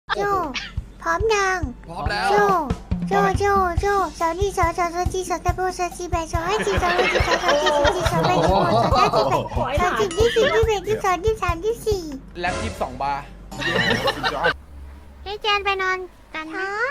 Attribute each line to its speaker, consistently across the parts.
Speaker 1: โจพร้อมยัง
Speaker 2: พร้อมแล้ว
Speaker 1: โจสาวนี่สาวจีสาวตะโบสาวจีแบสาวให้จีสาวให้จีสาวจีสาวแบสาวสาวจีแบสาวจีที่11ที่2ที่3ที่4
Speaker 2: แล็บ22 บาร์
Speaker 1: ให้แจนไปนอนกันฮะ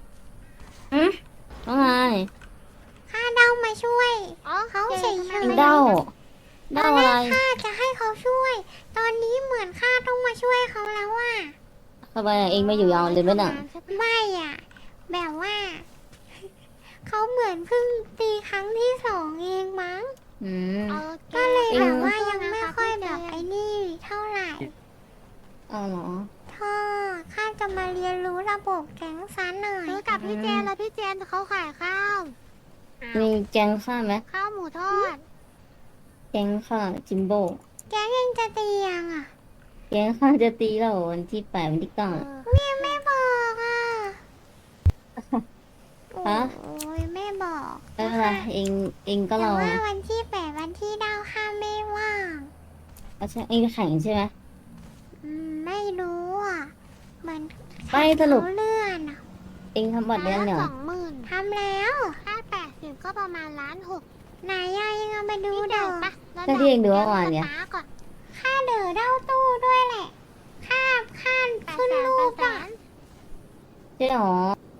Speaker 3: ว่าไง
Speaker 1: ข้าเด้ามาช่วยเขาเฉย
Speaker 3: เด้า
Speaker 1: ตอน
Speaker 3: เด้า
Speaker 1: แร
Speaker 3: อะไร
Speaker 1: กข้าจะให้เขาช่วย ตอนนี้เหมือนข้าต้องมาช่วยเขาแล้วอ่ะ
Speaker 3: ทำไมเองไม่อยู่ยาวเลยไหมน่ะ
Speaker 1: ไม่อ่ะ แบบว่า เขาเหมือนเพิ่งตีครั้งที่2เองมั้ง
Speaker 3: อืม
Speaker 1: ก็เลยแบบว่ายังไม่ค่อยแบบไอ้นี่เท่าไหร่
Speaker 3: เอาเหรอ
Speaker 1: ท่อข้าจะมาเรียนรู้ระบบแก๊งซันหน่อยรู้กับพี่เจนแล้วพี่เจนเขาขายข้าว
Speaker 3: มีแกงข้าไหม
Speaker 1: ข้าวหมูทอด
Speaker 3: แกงข้าจิมโบ้
Speaker 1: แก๊งยังจะตียังอ่ะ
Speaker 3: แกงข้าจะตีเราวันที่8วันที่9
Speaker 1: แม่ไม่บอกอ่ะ
Speaker 3: ฮะ
Speaker 1: โอ้ยไม่บอก
Speaker 3: ไม่เป็นไรเองก็
Speaker 1: แต่
Speaker 3: รอ
Speaker 1: ว่าวันที่8วันที่9ข้าไม่ว่าง
Speaker 3: เอาใช่เองแข่งใช่ไหม
Speaker 1: ไม่รู้อ่ะเหมือน
Speaker 3: ไม่สรุป
Speaker 1: เขาเลื่อนอ่ะ
Speaker 3: เองทำบัตรยังเนี่ย
Speaker 1: ทำแล้วค่า80ก็ประมาณ1,600,000ไหนยายยังเอามาดูเด้อ
Speaker 3: ก็ที่เองดูเมื่อวานเนี่ย
Speaker 1: ค่าเด้อเด้าตู้ด้วยแหละค่าขึ้นรูปอ่ะ
Speaker 3: ใช่หรอ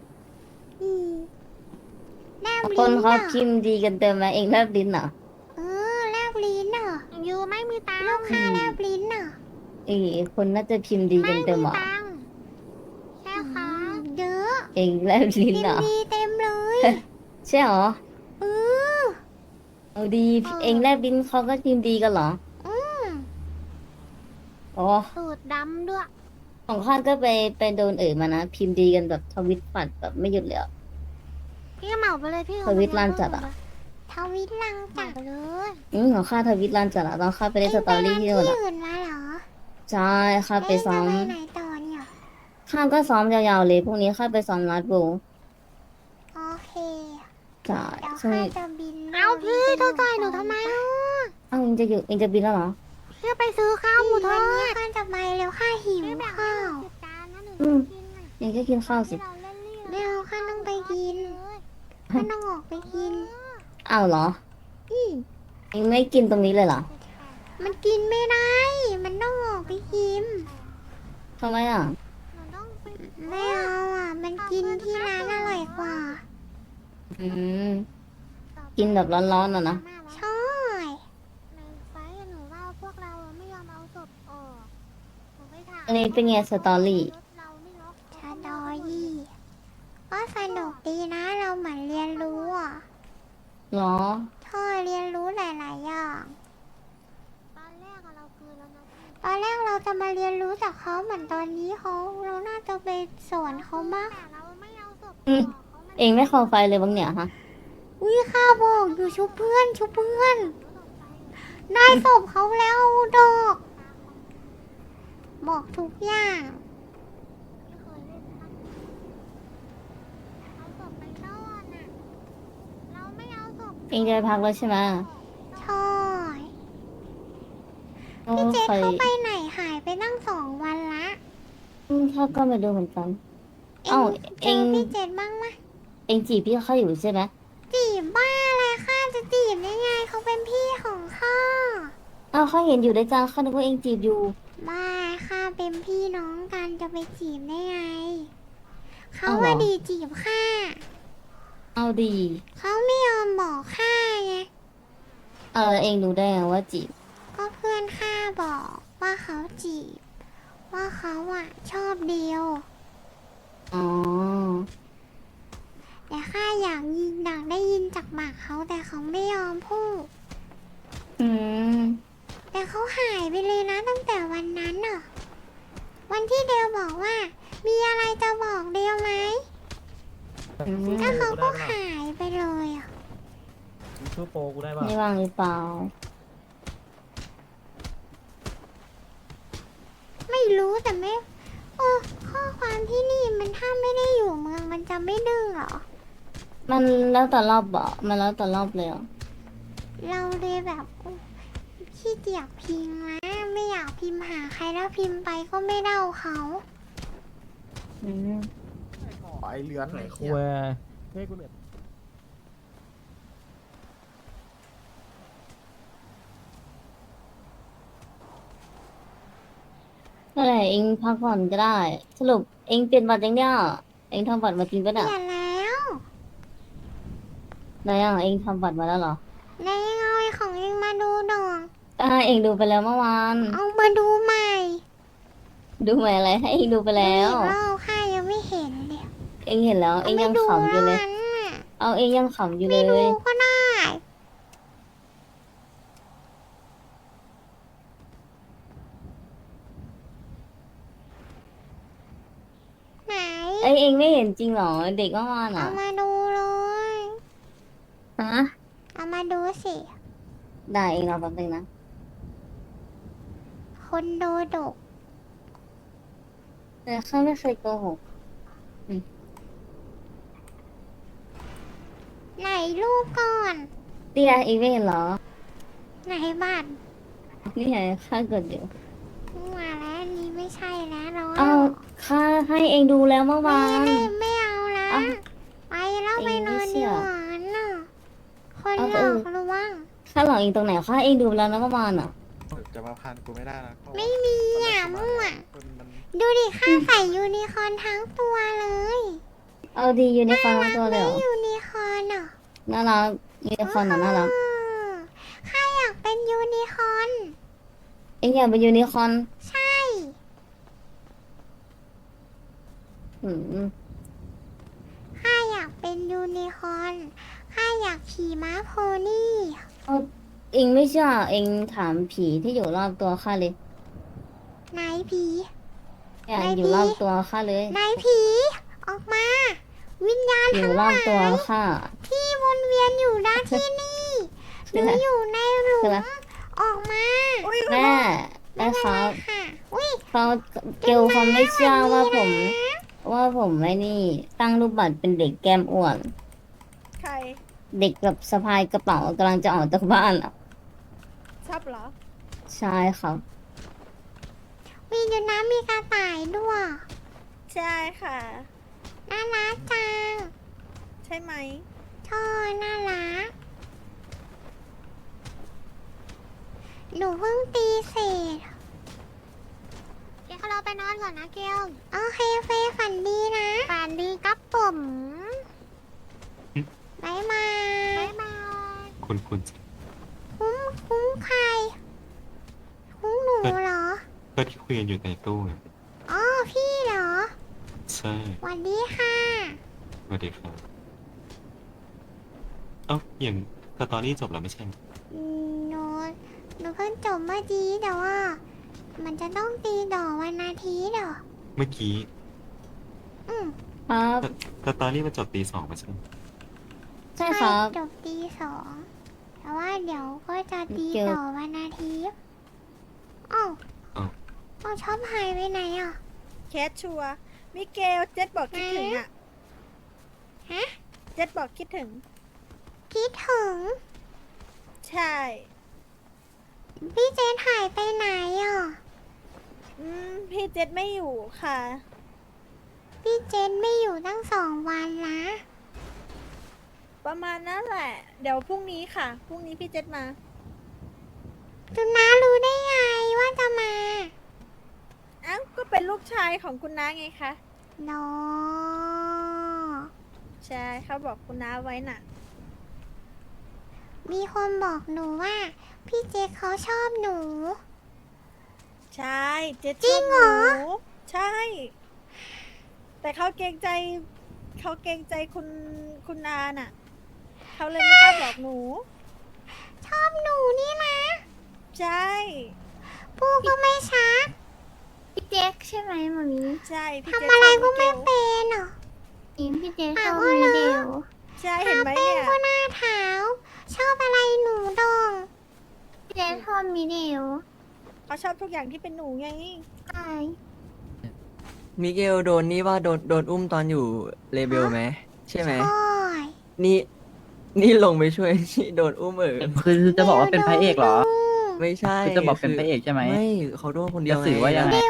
Speaker 1: แลบ
Speaker 3: ค
Speaker 1: ลิ้
Speaker 3: น
Speaker 1: น
Speaker 3: เขา
Speaker 1: อ่ะ
Speaker 3: พิมพ์ดีกันเต็มไหมเองแลบลิ้นเหรอ
Speaker 1: แลบลิ้นอ่ะยูไม่มีตังลูกค้าแลบลิ้นอ่ะ
Speaker 3: คนน่าจะพิมพ์ดีกันเต็มเหรอ
Speaker 1: ใช่ค่ะเยอะ
Speaker 3: เองแลบลิ้น
Speaker 1: พิม
Speaker 3: เหรอ
Speaker 1: พ์ดีเต็มเลย
Speaker 3: ใช่หรอ
Speaker 1: เออ
Speaker 3: เอาดีเองแลบลิ้นเขาก็พิมพ์ดีกันเหรอ
Speaker 1: อืม
Speaker 3: อ๋อ
Speaker 1: สูตรดำด้วย
Speaker 3: ของข้าก็ไปโดนมานะ พิมพ์ดีกันแบบทวิตปัดแบบไม่หยุดเลยอะ
Speaker 1: พี่เหมาไปเลยพี่
Speaker 3: ทวิตลั่นจัดอะ
Speaker 1: ทวิตลังจัดเลย
Speaker 3: ของข้าทวิตลั่นจัดอะตอนข้าไปเล่นสตอรี่ที่นู่นอะ
Speaker 1: อื่นมาเหรอ
Speaker 3: ใช่ข้าไปซ้อม
Speaker 1: เล่นอะไรไหนต่อเนี่ย
Speaker 3: ข้าก็ซ้อมยาวๆเลยพรุ่งนี้ข้าไปซ้อมรัดโบว์
Speaker 1: โอเค
Speaker 3: ใช่
Speaker 1: เดี๋ยว
Speaker 3: ช่วง
Speaker 1: ข้า
Speaker 3: นี้
Speaker 1: จะบินเอาพี่เธอต่อยหนูทำไมอ่ะ
Speaker 3: เอ้าเองจะบินแล้วเหรอ
Speaker 1: เพื่อไปซื้อข้าวหมูทอดข้าจะไปแล้วข้าหิวข้าว
Speaker 3: อืม เองก็กินข้าวสิ
Speaker 1: ไม่เอาข้าต้องไปกินข้าต้องออกไปกิน
Speaker 3: อ้าวเหรอ
Speaker 1: อืม
Speaker 3: เองไม่กินตรงนี้เลยเหรอ
Speaker 1: มันกินไม่ได้ มันต้องออกไปกิน
Speaker 3: ทำไมอ่ะ
Speaker 1: ไม่เอาอ่ะ มันกินที่ร้านอร่อยกว่า
Speaker 3: อืมกินแบบร้อนๆอะนะ
Speaker 1: ใช่ในไฟหนูว่าพวกเราไม่ยอมเอาศพออกหนูไปถาม
Speaker 3: อันนี้เป็นไงสตอรี่
Speaker 1: ชาดอยี่ก็สนุกดีนะเราเหมือนเรียนรู้อ่ะ
Speaker 3: เหรอ
Speaker 1: ท่อเรียนรู้หลายๆอย่างตอนแรกเราคือแล้วนะตอนแรกเราจะมาเรียนรู้จากเขาเหมือนตอนนี้เราน่าจะไปสอนเขามาก
Speaker 3: อืมเองไม่คอไฟเลยบ้างเนี่ยฮะ
Speaker 1: อุ้ยข้าบอกอยู่ชุบเพื่อนได้ศพเขาแล้วดอก บอกทุกอย่างเราไม่เอาศพ
Speaker 3: เองจะไปพักแล้วใช่ไหม
Speaker 1: ใช่
Speaker 3: โอ้
Speaker 1: พี่เจษ
Speaker 3: ใคร
Speaker 1: เขาไปไหนหายไปตั้ง2 วันละ
Speaker 3: ข้าก็ไม่รู้เหมือนกัน เอ้า
Speaker 1: เจอพี่เจษบ้างไหม
Speaker 3: เองจีบพี่เขาอยู่ใช่ไหม
Speaker 1: จีบบ้าอะไรข้าจะจีบได้ไงเขาเป็นพี่ของข้า
Speaker 3: อ้าวเขาเห็นอยู่ด้วยกันเขาคิดว่าเองจีบอยู่
Speaker 1: บ้าข้าเป็นพี่น้องกันจะไปจีบได้ไงเขา
Speaker 3: เอาเหรอ
Speaker 1: ว่าดีจีบข้า
Speaker 3: เอาดี
Speaker 1: เขาไม่ยอมบอกข้าไง
Speaker 3: เองรู้ได้ไงว่าจีบ
Speaker 1: ก็เพื่อนข้าบอกว่าเขาจีบ ว่าเขาอ่ะชอบเดียว
Speaker 3: อ๋อ
Speaker 1: แต่ข้าอยากได้ยินจากปากเขาแต่เขาไม่ยอมพูด
Speaker 3: อืม
Speaker 1: แต่เขาหายไปเลยนะตั้งแต่วันนั้นน่ะ วันที่เดลบอกว่า มีอะไรจะบอกเดลไหม
Speaker 3: อืม
Speaker 1: แล้วเขาก็หายไปเลยอ่ะ
Speaker 4: ชื่อโปรกูได้ป่ะ
Speaker 3: ไม่ว่างหรือเปล่า
Speaker 1: ไม่รู้แต่ไม่ข้อความที่นี่มันถ้าไม่ได้อยู่เมืองมันจะไม่ดื้อเหรอ
Speaker 3: มันแล้วแต่รอบบอกมันแล้วแต่รอบเลยเหรอ
Speaker 1: เราเลยแบบขี้เกียจพิมพ์นะไม่อยากพิมพ์หาใครแล้วพิมพ์ไปก็ไม่เด้าเขา
Speaker 3: อืม
Speaker 4: ไอเลือน
Speaker 2: ไหน
Speaker 4: ไอ้
Speaker 2: คุ
Speaker 4: คุ
Speaker 2: ย
Speaker 4: ยให้กูเหนื่อย
Speaker 3: นั่นแหละเองพักผ่อนก็ได้ สรุปเองเปลี่ยนบัตรยังเนี่ยเองทำบัตรมาจริงปะ
Speaker 1: เป
Speaker 3: เนี่ย
Speaker 1: ลี่ยนแล้ว
Speaker 3: ไหนอ่ะเองทำบัตรมาแล้วเหรอ
Speaker 1: นายยังเอาไอ้ของเองมาดูดอง
Speaker 3: ก็ให้เองดูไปแล้วเมื่อวาน
Speaker 1: เอามาดูใหม่
Speaker 3: ดูใหม่อะไรให้เองดูไปแล้ว
Speaker 1: ดูอีกรอบข้ายังไม่เห็นเลย
Speaker 3: เองเห็นแล้วเองยังขำอยู่เลย
Speaker 1: าไม่ดูแล้วนั้นน่ะ
Speaker 3: เอาเองยังขำอยู่เล
Speaker 1: ไม่ดู
Speaker 3: ย
Speaker 1: ก็ได้ไหน
Speaker 3: เอ้ยเองไม่เห็นจริงเหรอเด็กเมื่อวาน
Speaker 1: เอา
Speaker 3: อ่ะ
Speaker 1: มาดูเลย
Speaker 3: ฮะ
Speaker 1: เอามาดูสิ
Speaker 3: ได้เองรอแป๊บนึงนะ
Speaker 1: คนโดดก
Speaker 3: แต่ข้าไม่เคยโกหก
Speaker 1: ไหนรูปก่อน
Speaker 3: เตี้ยเองไม่เห็นเหรอ
Speaker 1: ไหนบัตร
Speaker 3: นี่ไงข้ากดอยู่
Speaker 1: มาแล้วอันนี้ไม่ใช่แล้วเรา
Speaker 3: เอาข้าให้เองดูแล้วเมื่อ
Speaker 1: ไม่
Speaker 3: วาน
Speaker 1: ได้ไม่เอาละ
Speaker 3: เอา
Speaker 1: ไปแล้วไป
Speaker 3: เอง
Speaker 1: น
Speaker 3: ไม่
Speaker 1: อน
Speaker 3: เชื่
Speaker 1: ดี
Speaker 3: อ
Speaker 1: กว่าน่ะคนห
Speaker 3: เอา
Speaker 1: ล
Speaker 3: เอ
Speaker 1: อ
Speaker 3: อ
Speaker 1: กระวัง
Speaker 3: ข้าหลอกเองตรงไหนข้าให้เองดูแล้วนะเมื่อวานอ่ะ
Speaker 2: จะมาพันกูไม่ได้นะ
Speaker 1: ไม่มีอ่ะมั่ว
Speaker 2: มัน
Speaker 1: ดูดิข้าใส่ยูนิคอร์นทั้งตัวเลย
Speaker 3: เอาดียูนิคอร์นทั้งตัวเลยเหรอ
Speaker 1: ไม่ยูนิคอร์นอ่ะ
Speaker 3: น่ารักยูนิคอร์นน่ะน่ารัก
Speaker 1: ข้าอยากเป็นยูนิคอร์น
Speaker 3: เองอยากเป็นยูนิคอร์น
Speaker 1: ใช่
Speaker 3: อืม
Speaker 1: ข้าอยากเป็นยูนิคอร์นข้าอยากขี่ม้าโพนี่
Speaker 3: เอาเองไม่เชื่อเองถามผีที่อยู่รอบตัวข้าเลย
Speaker 1: ไหนผี
Speaker 3: เนี่ย
Speaker 1: ไหน
Speaker 3: อยู่
Speaker 1: ผี
Speaker 3: รอบตัวข้าเลย
Speaker 1: ไหนผี ออกมา วิญญาณ
Speaker 3: อยู่
Speaker 1: ทั้ง
Speaker 3: ร
Speaker 1: ห
Speaker 3: อ
Speaker 1: ลา
Speaker 3: บตัวย ข้า
Speaker 1: ที่วนเวียนอยู่ด้านที่นี่ห
Speaker 3: คือ
Speaker 1: นู
Speaker 3: อะไร
Speaker 1: อยู่ในหลุ
Speaker 3: คือ
Speaker 1: ม
Speaker 3: อะไร
Speaker 1: ออกมา
Speaker 3: แม่แม่ครับ
Speaker 1: ค่ะอุ้ย
Speaker 3: เขาเกลเขาไม่เชื่อว่าผม
Speaker 1: นะ
Speaker 3: ว่าผมไม่นี่ ตั้งรูปบัตรเป็นเด็กแก้มอ้วน
Speaker 5: ใคร
Speaker 3: เด็กแบบสะพายกระเป๋ากำลังจะออกจากบ้านอ่ะ
Speaker 5: ชอบเหรอ
Speaker 3: ใช่ครับ
Speaker 1: มีอยู่น้ำมีกระต่ายด้วย
Speaker 5: ใช่ค่ะ
Speaker 1: น่ารักจัง
Speaker 5: ใช่ไหม
Speaker 1: ชอบน่ารัก หนูเพิ่งตีเสร็จเดี๋ยวเราไปนอนก่อนนะเกลโอเคเฟยฝันดีนะ ฝันดีครับผมบายบายบายบาย
Speaker 6: คุณ
Speaker 1: คุ้มใคร คุ้มหนูเหรอ
Speaker 6: ก็ที่คุยกันอยู่ในตู้ไง
Speaker 1: อ๋อ พี่เหรอ
Speaker 6: ใช่
Speaker 1: สวัสดีค่ะ
Speaker 6: สวัสดีครับเอ้าอย่างสตอรี่จบแล้วไม่ใช่เหรอ
Speaker 1: หนูหนูเพิ่งจบเมื่อกี้แต่ว่า มันจะต้องตีดอกวันอาทิตย์เหรอ
Speaker 6: เมื่อกี้
Speaker 1: อืม
Speaker 3: ครับ
Speaker 6: สตอรี่มันจบตี 2ไม่ใช่เหรอ
Speaker 3: ใช่ครับ
Speaker 1: จบตีสองแต่ว่าเดี๋ยวก็จะตี
Speaker 3: เกี่ยว
Speaker 1: ต่อวันอาทิตย์อ้าว
Speaker 6: อ้าว
Speaker 1: อ้าวชอบหายไปไหนอ่ะ
Speaker 5: แคทชัวร์มิเกลเจ็ดบอกคิดถึงอ่ะ
Speaker 1: ฮะ
Speaker 5: เจ็ดบอกคิดถึง
Speaker 1: คิดถึง
Speaker 5: ใช่
Speaker 1: พี่เจนหายไปไหนอ่ะ
Speaker 5: พี่เจ็ดไม่อยู่ค่ะ
Speaker 1: พี่เจนไม่อยู่ตั้ง2 วันนะ
Speaker 5: ประมาณนั้นแหละ เดี๋ยวพรุ่งนี้ค่ะ พรุ่งนี้พี่เจ็ดมา
Speaker 1: จุน้ารู้ได้ไงว่าจะมา
Speaker 5: เอ้าก็เป็นลูกชายของคุณน้าไงคะ
Speaker 1: นอ
Speaker 5: ใช่เขาบอกคุณน้าไว้น่ะ
Speaker 1: มีคนบอกหนูว่า พี่เจเขาชอบหนู
Speaker 5: ใช่เจ็ด
Speaker 1: จริงเหรอ
Speaker 5: ชบนูใช่ แต่เขาเกรงใจคุณนาน่ะ เขาเลยไม่กล้าบอกหนู
Speaker 1: ชอบหนูนี่นะ
Speaker 5: ใช่
Speaker 1: พูดก็ไม่ชัด
Speaker 7: พี่เจ๊กใช่ไหมมามี
Speaker 5: ใช่พี่
Speaker 1: ทำ
Speaker 5: เจ๊
Speaker 1: อะไร
Speaker 5: ช
Speaker 1: ก็
Speaker 5: บ
Speaker 1: ไม่
Speaker 5: เกล
Speaker 1: เป็นเหรอ
Speaker 7: อิมพี่เจ๊ก
Speaker 1: อ่ะ
Speaker 7: ชอบ
Speaker 1: ว่า
Speaker 7: มี
Speaker 1: เหรอ
Speaker 7: เดียว
Speaker 5: ใช่เห็นไหมเนี่ย
Speaker 1: ก็หน้าเท้าชอบอะไรหนูดอง
Speaker 7: พี่เจ๊กชอบมีเดียว
Speaker 5: เขาชอบทุกอย่างที่เป็นหนูไง
Speaker 7: ใช่
Speaker 8: มิเกลโดนนี่ว่าโดนอุ้มตอนอยู่เลเบลไหมใช่ไหม
Speaker 1: โอ้ย
Speaker 8: นี่ลงไปช่วย นี่โดนอุ้ม
Speaker 2: คือจะบอกว่าเป็นพระเอกเหรอ
Speaker 8: ไม่ใช่
Speaker 2: คือจะบอกเป็นพระเอกใช่ไหม
Speaker 8: ไม่เขาโดนคนเดียว
Speaker 2: จะสื่อว่ายังไง
Speaker 1: เดี๋ยว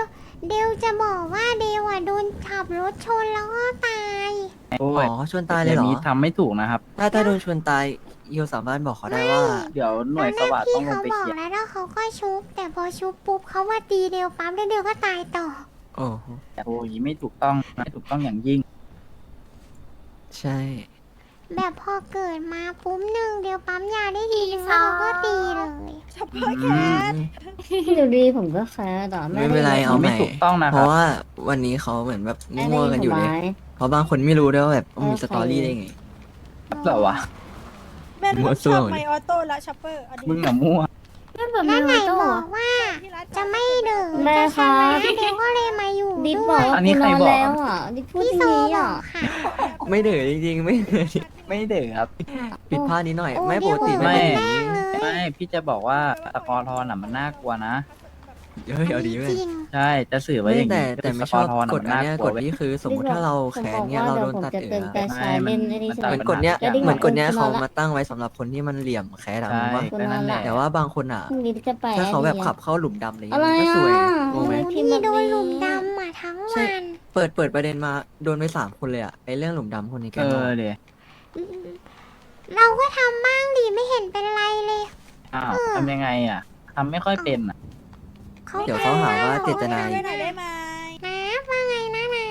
Speaker 1: เดวจะบอกว่าเดวอ่ะโดนขับรถชนแล้วก็ตาย
Speaker 8: อ๋อเขาชวนตายเลยเหรอ
Speaker 9: นี้ทำไม่ถูกนะครับ
Speaker 8: ถ้าโดนชวนตายเอียวสามารถบอกเขาได้ว่า
Speaker 9: เดี๋ยวหน่วยสวัสดิ์
Speaker 1: พี่
Speaker 9: ต้องลง
Speaker 1: เขา
Speaker 9: ไป
Speaker 1: บอ
Speaker 9: เค
Speaker 1: ก
Speaker 9: ลียร์
Speaker 1: แล้วเขาก็ชุบ แต่พอชุบปุ๊บเขาว่าตีเดวปั๊มแล้วเดวก็ตายต่อ
Speaker 8: โอ้โห
Speaker 9: แต่โอ้ยไม่ถูกต้องไม่ถูกต้องอย่างยิ่ง
Speaker 8: ใช่
Speaker 1: แบบพอเกิดมาปุ๊บหนึ่งเดวปั๊มยาได้ทีนึงแล้วเขาก็ตีเลย
Speaker 5: ช็อปเปอร์แคท
Speaker 3: อยู่ดีผมก็แคร์แต่
Speaker 8: ไม่เป็นไรเอาให
Speaker 9: ไม่
Speaker 8: ม่
Speaker 9: ถูกต้องนะ
Speaker 8: เพ
Speaker 9: ครับ
Speaker 8: ราะว่าวันนี้เขาเหมือนแบบ
Speaker 3: ไม่ได้
Speaker 8: มั่วๆกันอยู่เลย เพราะบางคนไม่รู้ด้วยว่าแบบมีสตอรี่ได้ไง
Speaker 9: เหรอวะ
Speaker 5: แม่หนู
Speaker 8: มั่ว
Speaker 5: ช
Speaker 8: ซั่ว
Speaker 5: อบไมออโต้และช็อปเปอร์เอาดิ
Speaker 9: มึงอะมั่ว
Speaker 7: ไม่แบบ
Speaker 1: นั่นไหน
Speaker 7: โต้
Speaker 1: บอกว่า
Speaker 5: ที่รัฐ
Speaker 1: จะไม่ดื่ม
Speaker 3: แม่
Speaker 1: จะช
Speaker 3: คะ
Speaker 1: นะเดวก็เลยมาอยู่
Speaker 3: ดิด
Speaker 1: ด้
Speaker 3: บ
Speaker 1: ว
Speaker 3: อก
Speaker 1: ย
Speaker 3: ว่า
Speaker 9: อันนี้
Speaker 3: กู
Speaker 9: ใคร
Speaker 3: นอน
Speaker 9: บอก
Speaker 3: แล้วอ่ะดิดพูด
Speaker 1: พี่
Speaker 3: อ
Speaker 1: โซ
Speaker 3: ย่างนี้
Speaker 1: บอ
Speaker 3: อ่ะ
Speaker 1: กค่ะ
Speaker 8: ไม่เดือดจริงๆไม่เดือด
Speaker 9: ไม่เดือครับ
Speaker 8: ผิดพลาดนิดหน่อย
Speaker 1: โอ้
Speaker 8: ไม่ปกติ
Speaker 1: เดี๋ยว
Speaker 8: ไม่
Speaker 9: ไม่
Speaker 8: เป็นอย่างนี้
Speaker 9: ไม่พี่จะบอกว่าสกอร์ทอนอ่ะมันน่ากลัวนะ
Speaker 8: เฮ้ยเอาดีเว้ย
Speaker 1: จริง
Speaker 9: ใช่จะสื่อไว้อย่าง
Speaker 8: แต่
Speaker 9: นี้
Speaker 8: แต่ไม่
Speaker 9: ส
Speaker 8: ช
Speaker 9: กอ
Speaker 8: อบ
Speaker 9: ร์ทอนอะ
Speaker 8: กฎ
Speaker 9: มัน
Speaker 8: อัน
Speaker 9: น่า
Speaker 8: เนี้ย
Speaker 9: กลั
Speaker 8: ก
Speaker 9: ว
Speaker 8: ฎ
Speaker 9: เว้ย
Speaker 8: นี้คือสมมติถ้าเราแค้นเนี้ยเราโดนตัด
Speaker 3: ผม
Speaker 8: เอ๋
Speaker 3: จะเติมกระชายเล่นได้ดี
Speaker 8: เหมือนกฎเนี้ยเหมือนกฎเนี้ยเขามาตั้งไว้สำหรับคนที่มันเหลี่ยมแค้นอะ
Speaker 9: ใช่
Speaker 8: รู้ปะ
Speaker 9: ก็นั่นแหละ
Speaker 8: แต่ว่าบางคนอ่ะ
Speaker 3: พรุ่งนี้จะไป
Speaker 8: ถ้าเขาแบบขับเข้าหลุมดำอะไร
Speaker 3: อะไร
Speaker 8: เงี้ยมันก็
Speaker 3: อ่ะ
Speaker 8: สวยงงไหม
Speaker 3: พิ
Speaker 1: พี่
Speaker 3: มพ์แบบ
Speaker 1: โดนหลุม
Speaker 3: นี้
Speaker 1: ดำอ่ะทั้ง
Speaker 8: ใช่
Speaker 1: วัน
Speaker 8: เปิดประเด็นมาโดนไป3 คนเลยอ่ะไอเรื่องหลุมดำคนนี้แก
Speaker 9: เอ
Speaker 8: บอก
Speaker 9: อเดี๋ยว
Speaker 1: เราก็ทำบ้างดิไม่เห็นเป็นไรเลย
Speaker 9: อ้าวทำยังไงอ่ะทำไม่ค่อยเป็นอ่ะ
Speaker 8: เดี๋ยวเขาหาว่าเจตนา
Speaker 5: ช่วยหน่อยได้ไหม
Speaker 1: นะว่าไงนะนะ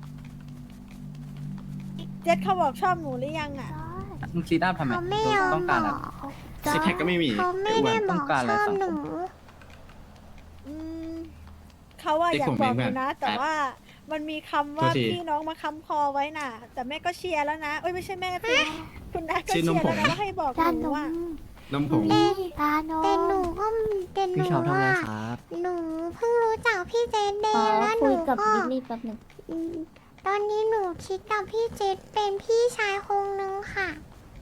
Speaker 5: เจ็ดเขาบอกชอบหนูหรือยังอ่ะ
Speaker 9: มึงซีดอัพทำไม
Speaker 1: เขาไม่ยอม
Speaker 9: ต้อง
Speaker 1: บ
Speaker 9: การ
Speaker 1: อ
Speaker 9: อะ
Speaker 1: ก
Speaker 2: ซิกแพคก็ไม่มี
Speaker 1: เขาไม่ได้บ
Speaker 9: ต้
Speaker 1: อ
Speaker 9: อก งการอะไร
Speaker 1: ชอบ
Speaker 9: สังคม
Speaker 1: หนู
Speaker 5: อืมเขาว่าอยากบอกหนูนะ แต่ว่ามันมีคำว่า
Speaker 2: โทษที
Speaker 5: พี่น้องมาค้ำคอไว้น่ะ แต่แม่ก็เชียร์แล้วนะเอ้ยไม่ใช่แม่สิคุณน้าก็
Speaker 2: ชื่
Speaker 5: เชี
Speaker 2: อย นม
Speaker 5: ร์
Speaker 2: ผ
Speaker 5: แล้ว
Speaker 2: ง
Speaker 5: นะว่าให้บอก
Speaker 7: ด้าน
Speaker 5: ห
Speaker 7: ห
Speaker 5: นู
Speaker 7: นู
Speaker 5: อ่ะ
Speaker 2: นมผง
Speaker 7: ตาโน
Speaker 1: แต่หนูก็แต่หนู
Speaker 8: พี่ชอบทำอะไร
Speaker 1: ว่า
Speaker 8: ครับ
Speaker 1: หนูเพิ่งรู้จักพี่เจนเด
Speaker 3: ขอ
Speaker 1: ย์แล้วห
Speaker 3: คุ
Speaker 1: นู
Speaker 3: ยกับ
Speaker 1: ก็
Speaker 3: ดิสนี่แป๊บหนึง
Speaker 1: อืมตอนนี้หนูคิดกับพี่เจนเป็นพี่ชายคงนึงค่ะ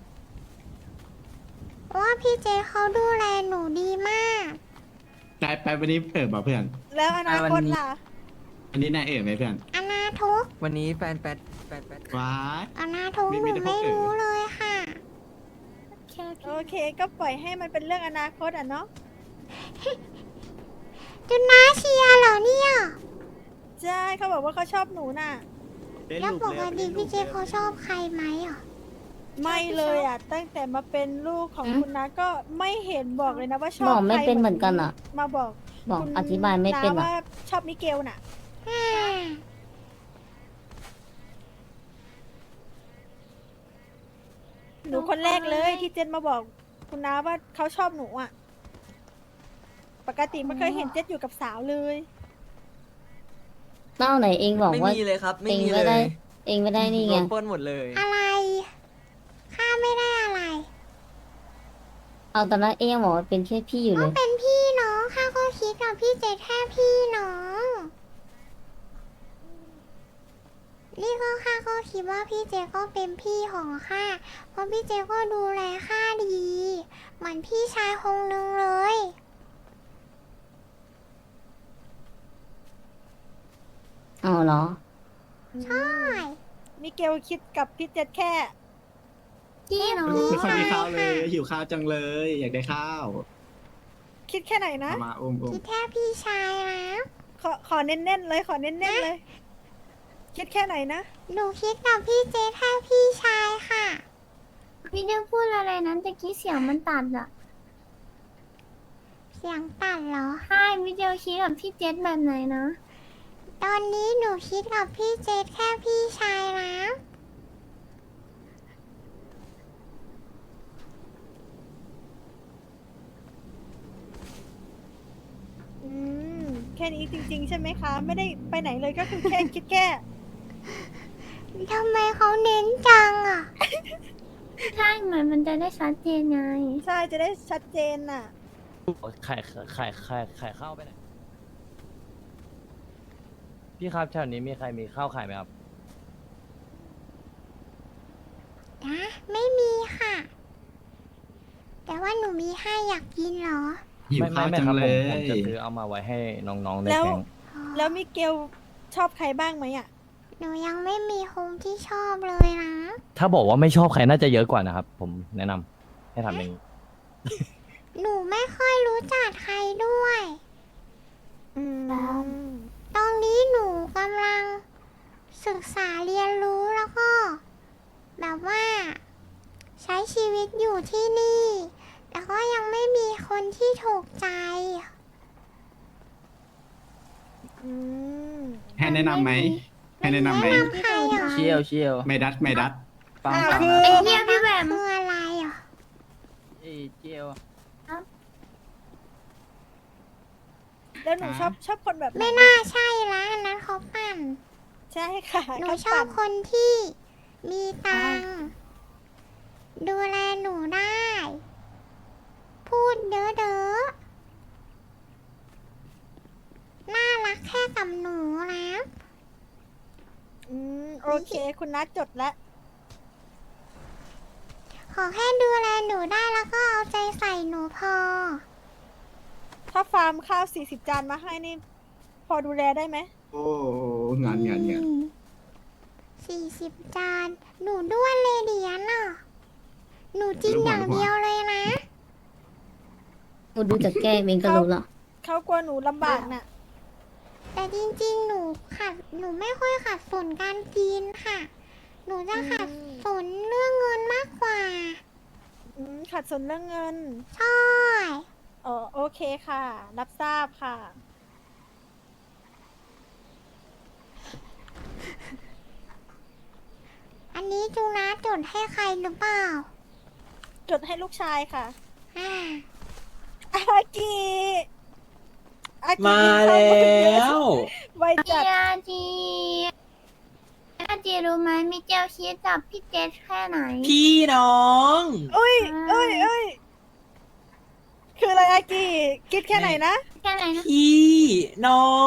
Speaker 1: ว่าพี่เจนเขาดูแลหนูดีมาก
Speaker 2: นายไปวันนี้เปิดบ่เพื่อน
Speaker 5: แล้วอนาคตล่ะ
Speaker 2: อันนี้นายเอ๋ไหมเพื่อน
Speaker 1: อนาทุก
Speaker 8: วันนี้แฟน
Speaker 2: ว้าย
Speaker 1: อนาทุก
Speaker 2: มี
Speaker 1: ห
Speaker 2: มี
Speaker 1: นู
Speaker 2: แต่พวก
Speaker 1: ไม่
Speaker 2: เอ๋
Speaker 1: รู้เลยค่ะ
Speaker 5: โอเคก็ปล่อยให้มันเป็นเรื่องอนาคตอ่ะเนาะ
Speaker 1: จุนน้าเชียร์เหรอเนี่ย
Speaker 5: ใช่เขาบอกว่าเขาชอบหนูน่ะ
Speaker 1: แล้วปกติพี่เจนเขาชอบใครไหมอ่ะ
Speaker 5: ไม่เลยอ่ะ ตั้งแต่มาเป็นลูกของคุณน้าก็ไม่เห็นบอกเลยนะว่าชอบบ
Speaker 3: อกไม่
Speaker 5: ใคร
Speaker 3: เป็นเหมือนกันอ่ะ
Speaker 5: มาบอก
Speaker 3: บอก
Speaker 5: คุณ
Speaker 3: อธิบายไม่เป็น
Speaker 5: า
Speaker 3: อ่ะ
Speaker 5: ว่าชอบมิเกลน่ะ
Speaker 1: อ่า
Speaker 5: หนูคนแรกเลยที่เจนมาบอกคุณน้าว่าเขาชอบหนูอ่ะ ปกติไม่เคยเห็นเจนอยู่กับสาวเลย
Speaker 3: เต้าไหนเองบอก
Speaker 8: ไม่
Speaker 3: ว่า
Speaker 8: มีเลยครับ ไม่
Speaker 3: เอง
Speaker 8: มี
Speaker 3: ไม่
Speaker 8: เล
Speaker 3: ได้
Speaker 8: ย
Speaker 3: เองไม่ได้นี่
Speaker 8: โด
Speaker 3: ไง
Speaker 8: นปล้นหมดเลย
Speaker 1: อะไรข้าไม่ได้อะไร
Speaker 3: เอาตอนนั้นเองยังบอกว่าเป็นแค่พี่อยู่เล
Speaker 1: ก็
Speaker 3: ย
Speaker 1: เป็นพี่น้องข้าก็คิดกับพี่เจแค่พี่น้อง นี่ก็ข้าก็คิดว่าพี่เจก็เป็นพี่ของข้า เพราะพี่เจก็ดูแลข้าดี เหมือนพี่ชายคงนึงเลย
Speaker 3: เอาเหรอ
Speaker 1: ใช่
Speaker 5: มิเกลคิดกับพี่เจนแค่
Speaker 7: พี่เนาะ
Speaker 2: ไม่ค่อยมีข้าวเลย หิวข้าวจังเลย อยากได้ข้าว
Speaker 5: คิดแค่ไหนนะ
Speaker 2: เอามาอุ้ม
Speaker 1: คิดแค่พี่ชายนะ
Speaker 5: ขอเน้นๆเลย ขอเน้นๆเลย คิดแค่ไหนนะ
Speaker 1: หนูคิดกับพี่เจแค่พี่ชายค่ะ
Speaker 7: พี่เดียวพูดอะไรนั้นตะกี้เสียงมันตัดอ่ะ
Speaker 1: เสียงตัดเหรอ
Speaker 7: ใช่พี่เดียวคิดกับพี่เจษแบบไหนนะ
Speaker 1: ตอนนี้หนูคิดกับพี่เจแค่พี่ชายนะ
Speaker 5: อืม แค่นี้จริง ๆ ใช่ไหมคะ ไม่ได้ไปไหนเลยก็คือแค่ คิดแค่
Speaker 1: ทำไมเขาเน้นจังอ่ะ
Speaker 7: ใช่เหมือนมันจะได้ชัดเจนไง
Speaker 5: ใช่จะได้ชัดเจนน่ะ
Speaker 4: ไข่ข้าวไปไหน พี่ครับแถวนี้มีใครมีข้าวขายไหมครับ
Speaker 1: นะไม่มีค่ะ แต่ว่าหนูมีให้อยากกินเหรอ
Speaker 2: หิวข้าวจัง
Speaker 4: ครับ
Speaker 2: เล
Speaker 4: ผมจะ
Speaker 2: ย
Speaker 4: ซื้อเอามาไว้ให้น้องๆใน
Speaker 5: แล้ว
Speaker 4: แก๊ง
Speaker 5: แล้วมิเกลชอบใครบ้างไหมอ่ะ
Speaker 1: หนูยังไม่มีคงที่ชอบเลยนะ
Speaker 4: ถ้าบอกว่าไม่ชอบใครน่าจะเยอะกว่านะครับ ผมแนะนำให้ทำอย่างนี้
Speaker 1: หนูไม่ค่อยรู้จักใครด้วย
Speaker 5: อืม
Speaker 1: ตตรงนี้หนูกำลังศึกษาเรียนรู้แล้วก็ แบบว่า ใช้ชีวิตอยู่ที่นี่ แต่ก็ยังไม่มีคนที่ถูกใจ
Speaker 5: อืม
Speaker 2: ให้แนะนำไหมให้แนะนำไหม
Speaker 1: แนะนำใครอ่ะ
Speaker 9: เชียวเชียว
Speaker 2: ไม่ดัดไม่ดัด
Speaker 9: ฟัง
Speaker 5: อ่า
Speaker 9: ฟัง
Speaker 5: คือ
Speaker 7: ไอ้เหี้ยพี่แหวม
Speaker 1: คืออะไรอ่ะ
Speaker 9: เอ้ยเชียว
Speaker 5: แล้วหนูชอบคนแบบห
Speaker 1: ไม่น่าใช่ละอันนั้นเขาปั่น
Speaker 5: ใช่ค่ะ
Speaker 1: หนู
Speaker 5: เขา
Speaker 1: ชอบ
Speaker 5: ปั่น
Speaker 1: คนที่มีตังค์ดูแลหนูได้ พูดเด้อน่ารักแค่กับหนูนะ
Speaker 5: โอเค คุณนัทจดแล้ว
Speaker 1: ขอแค่ดูแลหนูได้แล้วก็เอาใจใส่หนูพอ
Speaker 5: ถ้าฟาร์มข้าว40 จานมาให้นี่ พอดูแลได้ไหม
Speaker 2: โอ้งาน
Speaker 1: 40 จาน หนูด้วนเลยเดียนอ่ะ หนูกินอย่างเดียวเลยนะ
Speaker 3: กูดูจากแก้มเองก็รู้ละ
Speaker 5: เขากลัวหนูลำบากน่ะ
Speaker 1: แต่จริงๆ หนูไม่ค่อยขัดสนการกินค่ะ หนูจะขัดสนเรื่องเงินมากกว่า
Speaker 5: ขัดสนเรื่องเงิน
Speaker 1: ใช่
Speaker 5: อ๋อโอเคค่ะ รับทราบค่ะ
Speaker 1: อันนี้จูนะจดให้ใครหรือเปล่า
Speaker 5: จดให้ลูกชายค่ะ
Speaker 1: อ่า
Speaker 5: อากิอากิ
Speaker 8: มาแล้ว
Speaker 5: ไว
Speaker 7: พี่
Speaker 5: จัด
Speaker 7: อาจีอาจีรู้ไหมมีเจลชีสจับพี่เจสแค่ไหน
Speaker 8: พี่น้อง
Speaker 5: อุ้ยคืออะไรอากิคิดแค่ไหนนะ
Speaker 7: แค่ไหนนะ
Speaker 8: พี่น้อง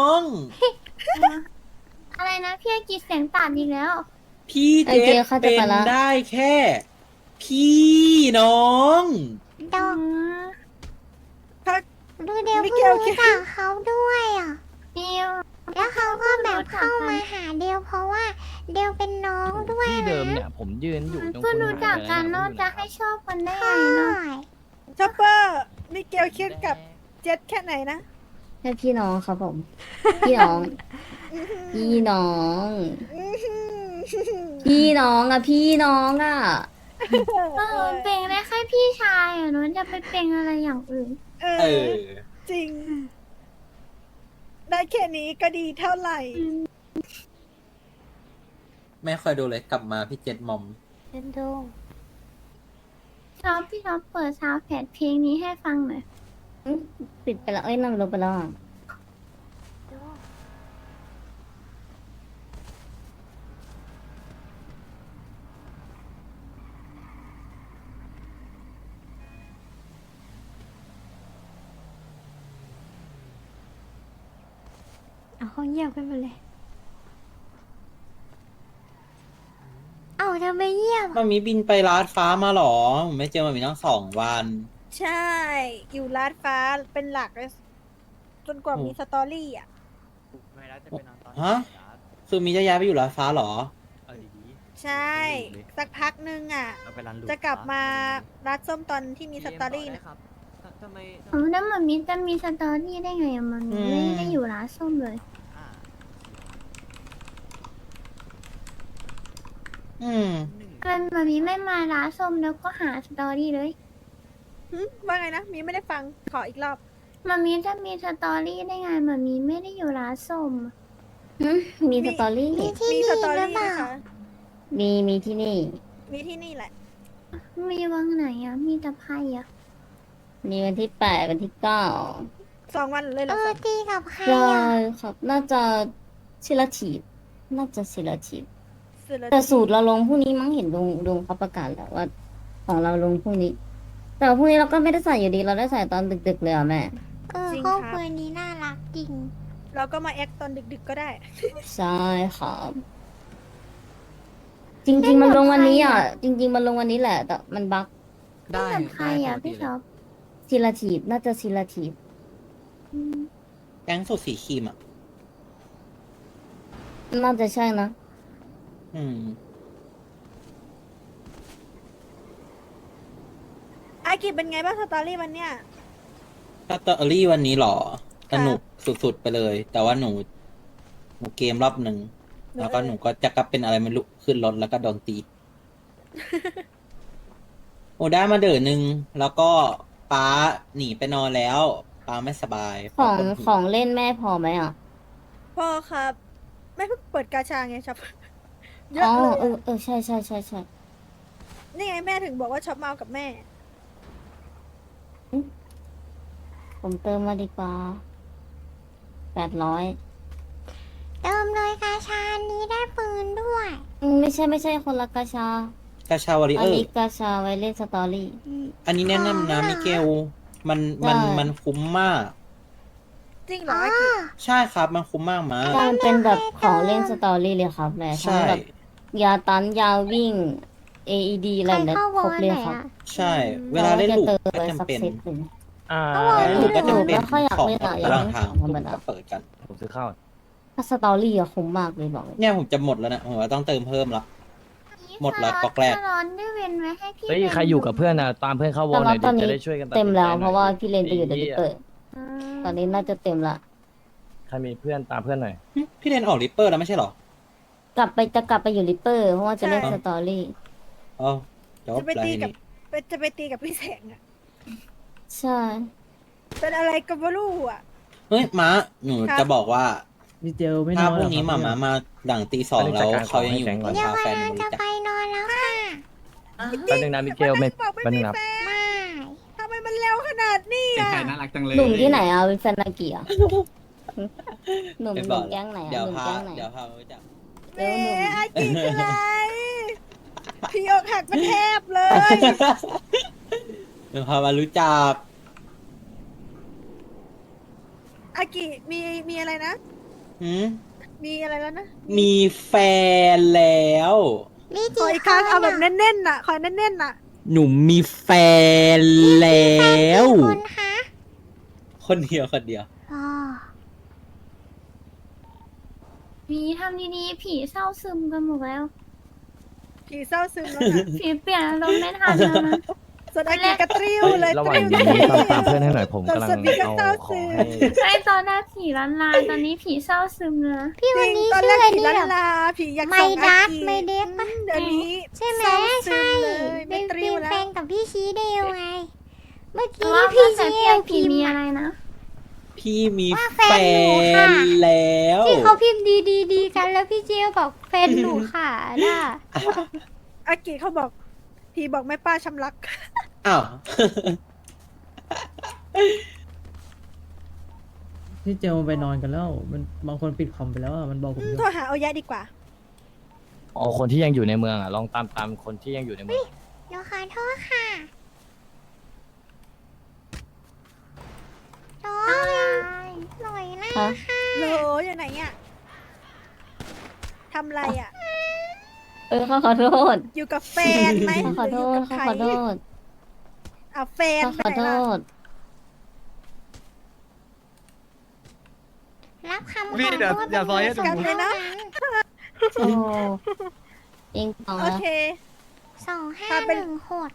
Speaker 7: อะไรนะพี่อาจีเสียงตัดอีกแล้ว
Speaker 8: พี่เจษเป็นได้แค่ พี่น้อง
Speaker 1: ดอก
Speaker 5: ถ้า
Speaker 1: ดูเดียว
Speaker 5: มิ
Speaker 1: เพิ่
Speaker 5: เก
Speaker 1: ง
Speaker 5: ล
Speaker 1: รู้
Speaker 5: คิด
Speaker 1: จักเขาด้วยอ่ะ
Speaker 7: เดียว
Speaker 1: แล้วเขาก็แบบเข้ามาหาเดียวเพราะว่าเดียวเป็นน้องด้วย
Speaker 4: ที่เดิม
Speaker 1: นะ
Speaker 4: เนี่ยผมยืนอยู่ตรง
Speaker 7: เพิ่งรู้จักกัน
Speaker 4: คุณ
Speaker 7: เนอะ
Speaker 4: หายไป
Speaker 7: จะ
Speaker 4: แล้ว
Speaker 7: ให้ชอบกันได้
Speaker 1: ใช่
Speaker 7: ไงเนาะ
Speaker 5: ชอปเปอร์มิเกลคิดกับเจ็ดแค่ไหนนะ
Speaker 3: แค่พี่น้องครับผม พี่น้อง พี่น้อง พี่น้องอะพี่น้องอะ
Speaker 7: ก็หนูเป็นได้แค่พี่ชายอ่ะหนูจะไปเป็นอะไรอย่างอื่น
Speaker 5: เอ
Speaker 8: เอ
Speaker 5: อ
Speaker 8: อ
Speaker 5: จริง ได้แค่นี้ก็ดีเท่าไหร่
Speaker 8: ไม่ค่อยดูเลยกลับมาพี่เจษมอม
Speaker 1: เป็นดู
Speaker 7: ชอบพี่ชอบเปิดซาวด์แพดเพลงนี้ให้ฟังหน่อย
Speaker 3: ปิดไปแล้ว เอ้ยนั่นลบไปแล้วอะ
Speaker 1: เอาเขาเงียบกันหมดเลย เอาทำไมเงียบ
Speaker 8: มามีบินไปลาดฟ้ามาหรอผมไม่เจอมามีตั้ง2 วัน
Speaker 5: ใช่ อยู่ลาดฟ้าเป็นหลักเลยจนกว่ามีสตอรี่อ่ะ
Speaker 8: ฮะ คือมีจะย้ายไปอยู่ลาดฟ้าหรอ
Speaker 5: ใช่ สักพักนึงอ่ะ จะกลับมาร้านส้มตอนที่มีสตอรี่นะ
Speaker 7: แล้วมันมีจะมีสตอรี่ได้ไงอะมัน
Speaker 8: อืม
Speaker 7: ไม่ได้อยู่ร้านส้มเลย
Speaker 8: อืม
Speaker 7: มันแบบนี้ไม่มาร้านส้มแล้วก็หาสตอรี่เลย
Speaker 5: ว่าไงนะ มีไม่ได้ฟัง ขออีกรอบ
Speaker 7: มันมีจะมีสตอรี่ได้ไงมันมีไม่ได้อยู่ร้านส้ม
Speaker 3: มีสตอรี่
Speaker 1: มีที่
Speaker 5: มี
Speaker 1: นี่
Speaker 5: ส
Speaker 1: ห
Speaker 5: ตอ
Speaker 1: รือ
Speaker 5: รี่
Speaker 1: เปล่า
Speaker 5: นะคะ
Speaker 3: มีที่นี่
Speaker 5: มีที่นี่แหละ
Speaker 7: มีวังไหนอะมีแต่ไพ่อะ
Speaker 3: มีวันที่ 8 วันที่
Speaker 5: 2 วันเลยเหร
Speaker 1: เอ
Speaker 5: อ
Speaker 1: อ
Speaker 5: คะ
Speaker 1: ตีกับใคร
Speaker 3: 9ใช่
Speaker 1: อ่ะ
Speaker 3: ครับ น่าจะศิลทีฟน่าจะศิลทีฟ
Speaker 5: สุดละ
Speaker 3: แต่สูตรเราลงพรุ่งนี้มั้งเห็นลุงเขาประกาศแล้วว่า ของเราลงพรุ่งนี้ แต่ว่าพรุ่งนี้เราก็ไม่ได้ใส่อยู่ดี เราได้ใส่ตอนดึกๆเลยอ่ะแม่
Speaker 1: เออครอบครัวนี้น่ารักจริง
Speaker 5: เราก็มาแอคตอนดึกๆก็ได้
Speaker 3: ใช่ครับ จริง ๆ มันลงวันนี้อ่ะ จริง ๆ มันลงวันนี้แหละ แต่มันบั๊ก
Speaker 7: เล่นกับใครอะพี่ชอบ
Speaker 3: ศิลทีฟน่าจะศิลทีฟ
Speaker 8: แก๊งสุดสีครีมอ่ะ
Speaker 3: น่าจะใช่นะ
Speaker 8: อืม
Speaker 5: อากิเป็นไงบ้างสตอรี่วันเนี้ย
Speaker 8: สตอรี่วันนี้หรอ
Speaker 5: ค่ะ
Speaker 8: สนุกสุดๆไปเลย แต่ว่าหนู
Speaker 10: หนูเกมรอบหนึ่งแล้วก็หนูก็จะกลับเป็นอะไรไม่รู้ขึ้นรถแล้วก็โดนตี โอ้ได้มาเดือนหนึ่งแล้วก็ป้าหนีไปนอนแล้วป้าไม่สบาย
Speaker 3: ของ
Speaker 10: ป้าปวดหัว
Speaker 3: ของเล่นแม่พอไหมอ่ะ
Speaker 5: พ่อครับแม่เพิ่งเปิดกาชาไงครับ เยอะ
Speaker 3: อ๋อ
Speaker 5: เลย
Speaker 3: เออใช่ใช่ใช่ใช่
Speaker 5: นี่ไงแม่ถึงบอกว่าช็อปเมากับแม่
Speaker 3: ผมเติมมาดีกว่า800
Speaker 1: เติมเลยกาชานี้ได้ปืนด้วย
Speaker 3: ไม่ใช่คนละกาชา
Speaker 10: กาชาวาริ
Speaker 3: อั
Speaker 10: เอน อ
Speaker 3: นี้
Speaker 10: ร์
Speaker 3: กาชาไว้เล่นสตอรี่
Speaker 10: อันนี้แนะนำนะมิเกลมัน
Speaker 3: ใช่
Speaker 10: มันคุ้มมาก
Speaker 5: จริงเหรอ
Speaker 1: อ๋อ
Speaker 5: อากิ
Speaker 10: ใช่ครับมันคุ้มมากมา
Speaker 3: มันเป็นแบบของเล่นสตอรี่เลยครับแม่ทั้ง
Speaker 10: ใช่
Speaker 3: แบบยาตันยาวิ่ง AED อะไรแบบนี้
Speaker 1: ใครเข้าว
Speaker 3: คร
Speaker 1: อบ ล
Speaker 3: เลย
Speaker 1: ไหน
Speaker 3: ครับ
Speaker 1: อ่ะ
Speaker 10: ใช่ เวลาเล่นลูก
Speaker 3: เติม
Speaker 10: ก็
Speaker 3: ไว้สั
Speaker 10: จำ
Speaker 3: ก
Speaker 10: เป็น
Speaker 3: เซตหนึ่ง
Speaker 10: เวลาเล่นลูกก็จำเป็น
Speaker 3: ไม่ค่อยอยาก
Speaker 10: ของ
Speaker 3: เล่นอะอยาก
Speaker 10: ระห
Speaker 3: เล่
Speaker 10: ว่าง
Speaker 3: น
Speaker 10: ทาง
Speaker 3: ธรรมดา
Speaker 10: ก็เปิดกัน
Speaker 4: ผมซื้อข้าว
Speaker 3: ถ้าสตอรี่อะคุ้มมากเลยบอกเลย
Speaker 10: เนี่ยผมจะหมดแล้วนะผมว่าต้องเติมเพิ่มละ หมดละก๊อกแรก
Speaker 7: ถ้าร้อนได้เว้นไว้ให้พี่
Speaker 4: เฮ้ย ใครอยู่กับเพื่อนนะตามเพื่อนเข้าวอ
Speaker 3: แต่
Speaker 4: ลหน่
Speaker 3: ว่า
Speaker 4: อย
Speaker 3: ต
Speaker 4: ดิ
Speaker 3: อนนี้
Speaker 4: จะได้ช่วยกันตัด
Speaker 3: เต็ม
Speaker 4: สินใจ
Speaker 3: แล้ว
Speaker 4: หน่อย
Speaker 3: เพราะว่าพี่เลนไปอยู่เด
Speaker 4: ไอ้
Speaker 3: ลิ
Speaker 4: เหี้ย
Speaker 3: เปอร์ตอนนี้น่าจะเต็มละ
Speaker 4: ใครมีเพื่อนตามเพื่อนหน่อย
Speaker 10: พี่เรนออกริปเปอร์แล้วไม่ใช่เหรอ
Speaker 3: จะกลับไปอยู่ลิปเปอร์เพราะว่าจะเล่นสตอรี่
Speaker 10: อ๋อจบ
Speaker 5: จะไป
Speaker 10: แล้ว
Speaker 5: ตี
Speaker 10: ที
Speaker 5: กับ
Speaker 10: นี้
Speaker 5: จะไปตีกับพี่แสงอะ
Speaker 3: ใช่
Speaker 5: เป็นอะไรกับวลูอ่ะ
Speaker 10: เฮ้ยม้าหนู
Speaker 5: ครับ
Speaker 10: จะบอกว่า
Speaker 9: มิเกลไม่น
Speaker 10: ถ้า
Speaker 9: อน
Speaker 10: พ
Speaker 9: เหร
Speaker 10: รุ่
Speaker 9: อง
Speaker 10: นี้
Speaker 9: ครับ
Speaker 10: หมา
Speaker 9: เนี่ย
Speaker 10: มาหลังตีสองแล้วเขายังอยู่
Speaker 4: ไปจัดการของให้แฟนก่อน
Speaker 1: เดี๋ยว
Speaker 10: พาแฟน
Speaker 1: กำลัง
Speaker 10: มา
Speaker 1: จะ
Speaker 10: รู้จัก
Speaker 1: ไปนอนแล้วค่ะ
Speaker 4: แป๊บนึงนะมิเกลไม่
Speaker 5: บอกไม่
Speaker 4: แป๊บนึ
Speaker 5: มี
Speaker 4: งนะ
Speaker 5: แฟน
Speaker 1: ไม่
Speaker 5: ทำไมมันเร็วขนาดนี้
Speaker 2: เป็น
Speaker 5: อ่ะ
Speaker 2: ใครน่ารักจังเลย
Speaker 3: หนุ่มที่ไหนอ่ะเป็นแฟนนาเกียหนุ่ม
Speaker 10: เป็น
Speaker 3: ห
Speaker 10: บ
Speaker 3: นุ่
Speaker 10: อ
Speaker 3: ม
Speaker 10: ก
Speaker 3: แก๊งไหน
Speaker 10: เดี๋ย
Speaker 3: อ่ะ
Speaker 10: ว
Speaker 3: หนุ่ม
Speaker 10: พา
Speaker 3: แก๊งไหน
Speaker 10: เดี๋ยวพารู้จัก
Speaker 5: แหมอากิคืออะไรพี่อกหักมันแทบเลย
Speaker 10: เดี๋ยวพามารู้จัก
Speaker 5: อากิมีอะไรนะ
Speaker 10: หืม
Speaker 5: มีอะไรแล้วนะ
Speaker 10: มีแฟนแล้ว
Speaker 1: มี
Speaker 5: ขอ
Speaker 1: กี่
Speaker 5: อีก
Speaker 1: ค
Speaker 5: ครั้ง
Speaker 1: น
Speaker 5: เอาแบบ
Speaker 1: อ่ะ
Speaker 5: แน่นๆน่ะขอแน่นๆน่ะ
Speaker 10: หนูมีแฟนแล้ว
Speaker 1: กี่คนคะ
Speaker 10: คนเดียวคนเดียว
Speaker 1: อ๋อ
Speaker 7: ผีทำดีๆผีเศร้าซึมกันหมดแล้ว
Speaker 5: ผีเศร้าซึมแล้วนะ
Speaker 7: ผีเปลี่ยนอารมณ์ไม่ทันแล้วนะ
Speaker 5: ส่วนอากิกระตริ้ว
Speaker 4: เฮ้ย
Speaker 5: เลย
Speaker 4: ระห
Speaker 5: ต
Speaker 4: ว่าง
Speaker 5: ริ้ว
Speaker 4: นี้ตามเพื่อนให้หน่อยผมกำลัง
Speaker 5: สวัสดีก็
Speaker 4: เอา
Speaker 5: เศร้า
Speaker 4: ข
Speaker 5: ซึ
Speaker 4: อง
Speaker 5: ม
Speaker 4: ให้
Speaker 7: ไอตอนแรกผีล้านลาตอนนี้ผีเศร้าซึมเลยนะ
Speaker 1: พี่
Speaker 5: จ
Speaker 1: วัน
Speaker 5: ริง
Speaker 1: นี้
Speaker 5: ตอน
Speaker 1: ชื่
Speaker 5: แร
Speaker 1: อก อะไร
Speaker 5: ผี
Speaker 1: เนี่
Speaker 5: ล้าย นลาผีอยาก
Speaker 1: ไม่
Speaker 5: ส่ง
Speaker 1: ดั
Speaker 5: อา
Speaker 1: ด
Speaker 5: กิ
Speaker 1: ไม่เด็กปะ
Speaker 5: เดี๋ยวนี้
Speaker 1: ใช่ไหม
Speaker 5: เศร้าซึ
Speaker 1: ใช่
Speaker 5: มเลย
Speaker 1: เป็
Speaker 5: ไม่
Speaker 1: น
Speaker 5: ตริ้ว
Speaker 1: เป็น
Speaker 5: แล้
Speaker 1: แฟ
Speaker 5: วน
Speaker 1: กับพี่ชีเดลไง เมื่อ
Speaker 7: แต่
Speaker 1: กี้
Speaker 7: ว่า
Speaker 1: พี่
Speaker 7: แต่
Speaker 1: ชี
Speaker 7: เพ
Speaker 1: เด
Speaker 7: ล
Speaker 1: ล
Speaker 7: งผี
Speaker 1: พิม
Speaker 7: มี
Speaker 1: พ์
Speaker 7: อะไรนะ
Speaker 10: พี่มี
Speaker 1: ว่า
Speaker 10: แฟ
Speaker 1: แฟนหนูค่ะ
Speaker 10: นแล้ว
Speaker 1: ที่เขาพิมพ์ดีกันแล้วพี่เจลบอกแฟนหนูค่ะน่ะ
Speaker 5: อากิเขาบอกผีบอกแม่ป้าชำรัก
Speaker 10: อ้าว
Speaker 9: พี่เจลไปนอนกันแล้ว มันบางคนปิดคอมไปแล้วอะมันบอกผมอยู่
Speaker 5: โทรหาเอายะดีกว่า
Speaker 4: อ๋อคนที่ยังอยู่ในเมืองอ่ะลองตามคนที่ยังอยู่ในเมือง
Speaker 1: หนูขอโทษค่ะโอ้ยหน่อยนะ
Speaker 3: ฮะ
Speaker 5: โหลอยู่ไหนอ่ะทำอะไรอ่ะ
Speaker 3: เขาขอโทษ
Speaker 5: อยู่กับแฟนไหม
Speaker 3: เขาขอโทษ
Speaker 5: หรืยู่
Speaker 3: เขา
Speaker 5: กับ
Speaker 3: ขอโท
Speaker 5: ใคร
Speaker 3: ษ
Speaker 5: อ่ะแฟน
Speaker 3: เขา
Speaker 5: ไป
Speaker 3: ขอ
Speaker 5: ไหน
Speaker 3: โท
Speaker 5: ล่ะ
Speaker 3: ษ
Speaker 1: รับคำขอ
Speaker 9: พี่
Speaker 1: โทษ
Speaker 9: อย่าซอยให้
Speaker 1: เป็น
Speaker 5: กลับเลยนะ
Speaker 3: โอ้เองต่อ
Speaker 5: โอ
Speaker 3: นะ
Speaker 5: เค
Speaker 1: 2516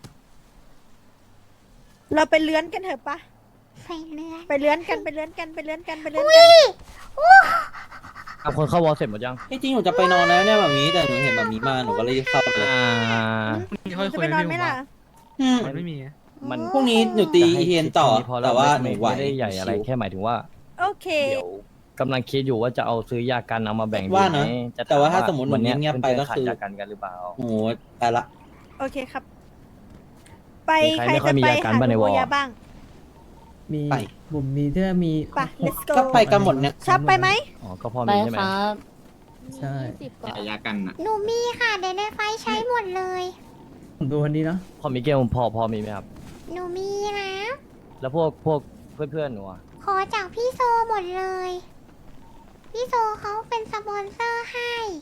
Speaker 5: เราไปเลื้อนกันเถอะปะ
Speaker 1: ไปเรื่อย
Speaker 5: ไปเลื้อนกันไปเลื้อนกันไปเลื้อนกันไปเลื้อน
Speaker 1: อุ้
Speaker 5: กัน
Speaker 1: ยอู้
Speaker 4: ตามคนเข้าวอลเสร็จหมดยัง
Speaker 10: จริงๆหนูจะไปนอนแล้วเนี่ยแบบนี้แต่หนูเห็นแบบนี้มาหนูก็เลยเข้าไปเลย
Speaker 5: จะไปนอนไหมล่ะ
Speaker 10: อืม
Speaker 9: มันไม่มีอะ
Speaker 4: มัน
Speaker 10: พรุ่งนี้หนูตี
Speaker 4: จะให้
Speaker 10: เฮียนต่อ
Speaker 4: คิดค่พ
Speaker 10: แต่ว่าห
Speaker 4: ไม่
Speaker 10: นูไหว
Speaker 4: ไม่ได้ใหญ่อะไรแค่หมายถึงว่า
Speaker 5: โอเค
Speaker 4: เดี๋ยวกำลังคิดอยู่ว่าจะเอาซื้อยากันเอามาแบ่งดู
Speaker 10: ว่า
Speaker 4: ไหม
Speaker 10: นะ
Speaker 4: จะ
Speaker 10: แต่ว่าถ้าสมมุติ
Speaker 4: วันเนี้ย
Speaker 10: หนูเงียบๆไปก็คือ
Speaker 4: เพื่นๆขาดยากันกันหรือเปล่า
Speaker 10: โอ้โหไปละ
Speaker 5: โอเคครับ ไป
Speaker 4: มีใคร
Speaker 5: ใคร
Speaker 4: ไม่ค่อ
Speaker 5: จะ
Speaker 4: ยมี
Speaker 5: ไป
Speaker 4: อาการ
Speaker 5: หา
Speaker 4: บ้างใน
Speaker 5: โบ
Speaker 4: วอร์
Speaker 5: ยาบ้าง
Speaker 9: มี
Speaker 10: ไป
Speaker 9: ผมมีเสื้อมี
Speaker 5: ไป let's go
Speaker 10: ก็ไปกันหมดเนี่ย
Speaker 5: ชับไปไหม
Speaker 4: อ๋อก็พอ
Speaker 3: ไป
Speaker 4: มีใช่ไหม
Speaker 3: ครับ
Speaker 9: ใช่
Speaker 2: แต่ยากันอ่ะ
Speaker 1: หนูมีค่ะเดี๋ยวในไฟใช้หมดเลย
Speaker 9: ผมดูวันนี้นะ
Speaker 4: พอมีเกลพอมีไหมครับ
Speaker 1: หนูมีนะ
Speaker 4: แล้วพวกเพื่อนๆหนูอะ
Speaker 1: ขอจากพี่โซหมดเลย พี่โซเขาเป็นสปอนเซอร์ให้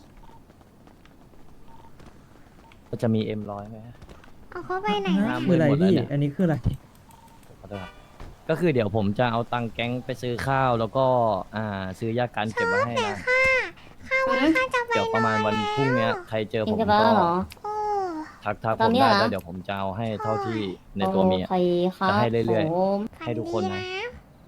Speaker 4: ก็จะมีM100ไหม
Speaker 1: เอาเขาไปไหน
Speaker 4: ห้า
Speaker 1: นะ
Speaker 4: หมื่
Speaker 9: คือน อะไร
Speaker 4: หมดแล้ว
Speaker 9: พี่
Speaker 4: เนี่ย
Speaker 9: อันนี้คืออะไร
Speaker 4: ขอโทษครับก็คือเดี๋ยวผมจะเอาตังค์แก๊งไปซื้อข้าวแล้วก็ซื้อยากันเก็บไว้ให้นะ
Speaker 1: ค่ะข้าววันข้าจะไป
Speaker 4: เดี๋ยวประมาณวันพรุ่งเนี้ยใครเจอ
Speaker 3: เอ
Speaker 4: ผ
Speaker 3: ง
Speaker 4: ม
Speaker 3: จะไป
Speaker 4: ก็
Speaker 3: แล้วเหรอ
Speaker 1: โอ้
Speaker 4: ทัก
Speaker 3: ต
Speaker 4: ผ
Speaker 3: อน
Speaker 4: ม
Speaker 3: นี้
Speaker 4: ได้
Speaker 3: เหรอ
Speaker 4: แล้วเดี๋ยวผมจะเอาให้เท่าที่ในตัวมี
Speaker 3: โอ
Speaker 4: อะ
Speaker 3: เคครับ
Speaker 4: จะให้เรื่อยๆ
Speaker 3: ผม
Speaker 4: ให้ทุกคนนะ
Speaker 1: ฝัดี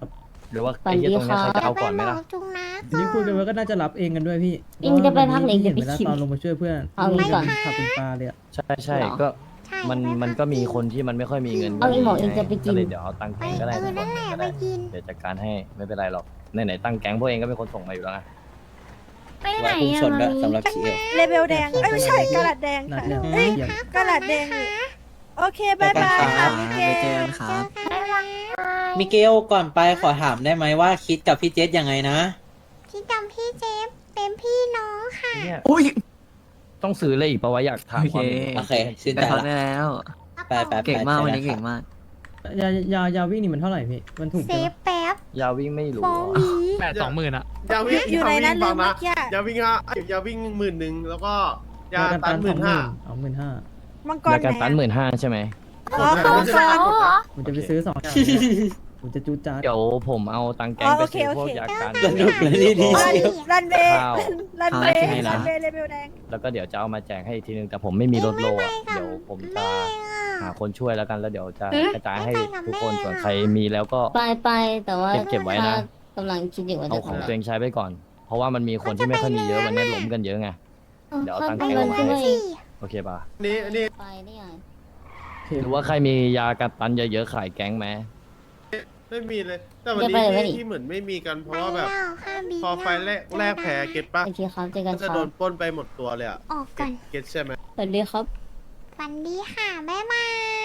Speaker 4: หรือว่า
Speaker 3: ฝัน
Speaker 4: ไอ้เหี้ย
Speaker 3: ดี
Speaker 4: ตรงเนี้ย
Speaker 3: ครับ
Speaker 4: ใครจะเอา
Speaker 1: ไป
Speaker 4: ก่อนไหม
Speaker 1: บอ
Speaker 4: ล่ะ
Speaker 1: กจุงนะ
Speaker 9: ทีนี้คุยกันไว้ก็น่าจะรับเองกันด้วยพี่
Speaker 3: อิงจะไปพักไหน
Speaker 9: เห็น
Speaker 3: จะ
Speaker 9: ไป
Speaker 3: ไป
Speaker 9: แล้ว
Speaker 3: ชิม
Speaker 9: ตอนลงมาช่วยเพื่อน
Speaker 3: เอางี้ก่อน
Speaker 9: ขับเป็นปลาเลยอะ
Speaker 4: ใช่ใช่
Speaker 3: เหรอ
Speaker 4: ก็
Speaker 1: ใช่
Speaker 4: มัน
Speaker 1: ไป
Speaker 4: มัน
Speaker 1: พั
Speaker 4: ก็มี
Speaker 1: จริง
Speaker 4: คนที่มันไม่ค่อยมีเงิน
Speaker 3: เอาอีหมอเองจะไปกิน
Speaker 4: ก็เลยเดี๋ยวเอาตังค์
Speaker 1: ไป
Speaker 4: แก๊งก็ได้
Speaker 1: นั่นแหละไปกิน
Speaker 4: เดี๋ยวจัดการให้ไม่เป็นไรหรอกไหนๆตั้งแก๊งพวกเองก็เป็นคนส่งมาอยู่แล้วไง
Speaker 7: ไปไหน
Speaker 10: ไว้พุ่ง
Speaker 7: อะ
Speaker 10: ชนด้วย
Speaker 7: มามี
Speaker 10: สำหรับชีเอล
Speaker 5: เลเวลแดงเอ้ยไม่ใช่กระดาษแดง
Speaker 9: นัด
Speaker 5: ค่ะ
Speaker 9: เนี่ย
Speaker 5: เอ้ย
Speaker 9: เยี่ยม
Speaker 5: กระดาษแดงอยู่โอเคบายบายค่ะมิเก
Speaker 8: ไปเจอ
Speaker 5: ล
Speaker 8: กันครับ
Speaker 7: บ๊ายบาย
Speaker 10: มิเกลก่อนไปขอถามได้ไหมว่าคิดกับพี่เจษยังไงนะ
Speaker 1: พี่จำพี่เจฟเป็นพี่น้องค่ะ
Speaker 4: เนี่ย
Speaker 2: อุ้ย
Speaker 4: ต้องซื้อเลยอีกปะวะอยากถามความห็น
Speaker 10: โอเคชื่น
Speaker 8: ได้
Speaker 10: ใจ
Speaker 8: พัก
Speaker 10: ละ
Speaker 8: ได้แล้ว
Speaker 10: ไปไป
Speaker 8: เก่งมาก
Speaker 10: ไป
Speaker 8: วันนี้
Speaker 10: ไป
Speaker 8: เก่งมาก
Speaker 9: ยาวิ่งนี่มันเท่าไหร่พี่ มันถูก
Speaker 1: เซ
Speaker 9: ใช่ไหม
Speaker 1: ฟแป๊บ
Speaker 4: ยาวิ่งไม่รู้
Speaker 1: โฟมี
Speaker 11: 80,000อะ
Speaker 5: ยาวิ่งอยู่ในนั้นเลยเมื่อกี้
Speaker 11: ยาวิ่งยาวิ่ง10,000แล้วก็ยาย
Speaker 9: ากัน
Speaker 11: ตั
Speaker 9: ตั
Speaker 11: น
Speaker 9: น
Speaker 11: 15,000
Speaker 9: เอา15,000
Speaker 5: มังกร
Speaker 4: ยา
Speaker 5: ไห
Speaker 4: การตัน
Speaker 5: น
Speaker 4: 15,000ใช่ไหม
Speaker 5: อ๋อเขา
Speaker 7: เขาเหรอ
Speaker 9: ผมจะไปซื้อ2อย่างเนี่ยผมจะจูดจ้าด
Speaker 4: เดี๋ยวผมเอาตังค์แก๊งไปซื้อพวกยาการ
Speaker 10: สนุกเลยนี่ดี
Speaker 5: รันเวย์
Speaker 4: ข้าว
Speaker 5: รันเวย์
Speaker 4: ให้นะ
Speaker 5: รันเวย์เลเวลแดง
Speaker 4: แล้วก็เดี๋ยวจะเอามาแจกให้อีกทีนึงแต่ผมไม่มีรถโลอ่ะเดี๋ยวผมจะหาคนช่วยแล้วกันแล้วเดี๋ยวจะกระจายให้ทุกคนส่วนใครมีแล้วก็
Speaker 3: ไปแต่ว่า
Speaker 4: เก็บไว้นะ
Speaker 3: กำลังคิดอยู่ว่า
Speaker 4: เอา
Speaker 3: จะ
Speaker 4: ของ
Speaker 3: ทำ
Speaker 4: ตัวเองใช้ไปก่อน เพราะว่ามันมีคนที่ไม่ค่อยมีเยอะวันนี้ล้มกันเยอะไง เดี๋ยวเอาตังค์
Speaker 3: ไป
Speaker 4: แก๊ง
Speaker 3: วัน
Speaker 4: มา
Speaker 3: ขึ้น
Speaker 4: ให้
Speaker 3: มาเอง
Speaker 4: โอเคป่ะ
Speaker 11: อันนี้
Speaker 3: ไปได้ไง
Speaker 4: หรือว่าใครมียากันตันเยอะๆขายแก๊งไหม
Speaker 11: ไม่มีเลย แต่วันนี้
Speaker 3: จะไปไหนวะนี่
Speaker 11: ที่เหมือนไม่มีกันเพ
Speaker 1: ไป
Speaker 11: ราะว่าแบบ
Speaker 1: แล้วค่ะบี
Speaker 11: พอไฟแรกแผลเก็ตปะ
Speaker 3: โอเคครับเจอกัน
Speaker 11: ก็
Speaker 3: ค
Speaker 11: จะ
Speaker 3: รั
Speaker 11: โด
Speaker 3: บ
Speaker 11: นปล้นไปหมดตัวเลยอะ
Speaker 1: ออกก่อน
Speaker 11: เก็ตใช่ไหม
Speaker 3: สวัสดีครับ
Speaker 1: ฝันดีค่ะบ๊ายบาย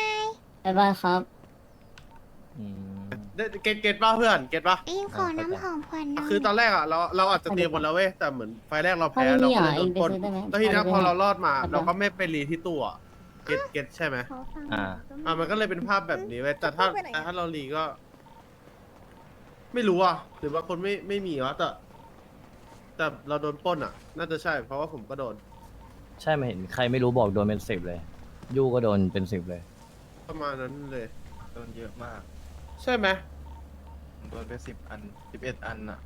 Speaker 3: บ๊ายบายครับ
Speaker 4: อืม
Speaker 11: เก็ตป่ะเพื่อนเก็ตป่ะ
Speaker 1: อิงขอน้ำหอมผ่อนหน่อย
Speaker 11: คือตอนแรกอะเราอาจจะเตรียมหมดแล้วเว้ยแต่เหมือนไฟแรกเราแพ้
Speaker 3: ถ้าไม่
Speaker 11: เรา
Speaker 3: มี
Speaker 11: ก็
Speaker 3: อ่ะ
Speaker 11: เลยโดนปล้น
Speaker 3: เองไปซื้อได้ไหม
Speaker 11: แล้วทีนี้พอเรารอดมา
Speaker 3: ได้ไหม
Speaker 11: เราก็ไม่ไปรีที่ตู้อะเก็ตใช่ไหม
Speaker 1: ขอฟัง
Speaker 11: มันก็เลยเป็นภาพแบบนี้เว้ยแต่ถ้าเรารีก็ ไม่รู้อ่ะหรือว่าคนไม่มีวะแต่เราโดนปล้นอ่ะ น่าจะใช่ เพราะว่าผมก็โดน
Speaker 4: ใช่ไหมเห็นใครไม่รู้บอกโดนเป็น10เลย ยู่ก็โดนเป็น10เลย
Speaker 11: ประมาณนั้นเลย
Speaker 6: โดนเยอะมาก
Speaker 11: ใช่ไหม
Speaker 6: โดนไป10 อัน 11 อันอะ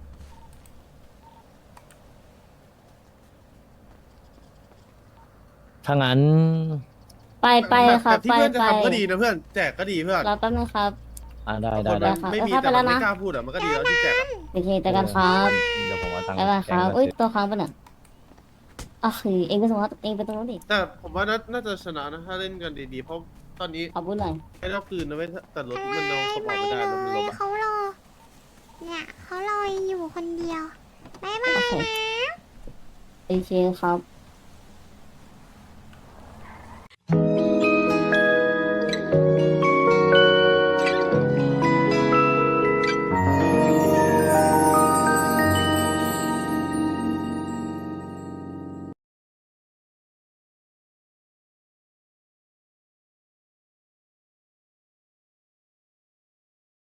Speaker 4: ถ้างั้น
Speaker 3: ไปครับ
Speaker 11: แบบที่
Speaker 3: ไป
Speaker 11: เพื่อนจะ
Speaker 3: ไป
Speaker 11: ทำก็ดีนะเพื่อนแจกก็ดีเพื่อน
Speaker 3: รอแป๊บนึงครับ
Speaker 4: ได้
Speaker 11: คน
Speaker 4: ได้
Speaker 11: มันไม่มี
Speaker 3: เอาเข้า
Speaker 11: แต่
Speaker 3: ไปแล้
Speaker 11: มัน
Speaker 3: วนะ
Speaker 11: ไม่กล้าพูดอ่ะมันก็ดีแล้วที่แจกอะ
Speaker 3: โอเคเจอกันครับ
Speaker 4: เดี๋ยวผมเอาตังค์
Speaker 3: บ๊ายบายค
Speaker 4: แก๊ง
Speaker 3: รับ
Speaker 4: มา
Speaker 3: อุ้ย
Speaker 4: ซื้อ
Speaker 3: ตัวค้างปะเนี่ยอ่ะคือเองไปส่งเขาเองไปตรงนู้นดิ
Speaker 11: แต่ผมว่าน่าจะชนะนะถ้าเล่นกันดีๆ เพราะตอนนี้
Speaker 3: ขอบุญหน่อย
Speaker 11: ให้เราคืนนะเว้ยแต่รถมันเอาสม
Speaker 1: ไป
Speaker 11: องไม่ได้
Speaker 1: เล
Speaker 11: รถมันล
Speaker 1: ย
Speaker 11: บอะ
Speaker 1: เขารอ เนี่ยเขารออยู่คนเดียวบ๊ายบาย
Speaker 3: โอเค
Speaker 1: นะ
Speaker 3: โอเคครับ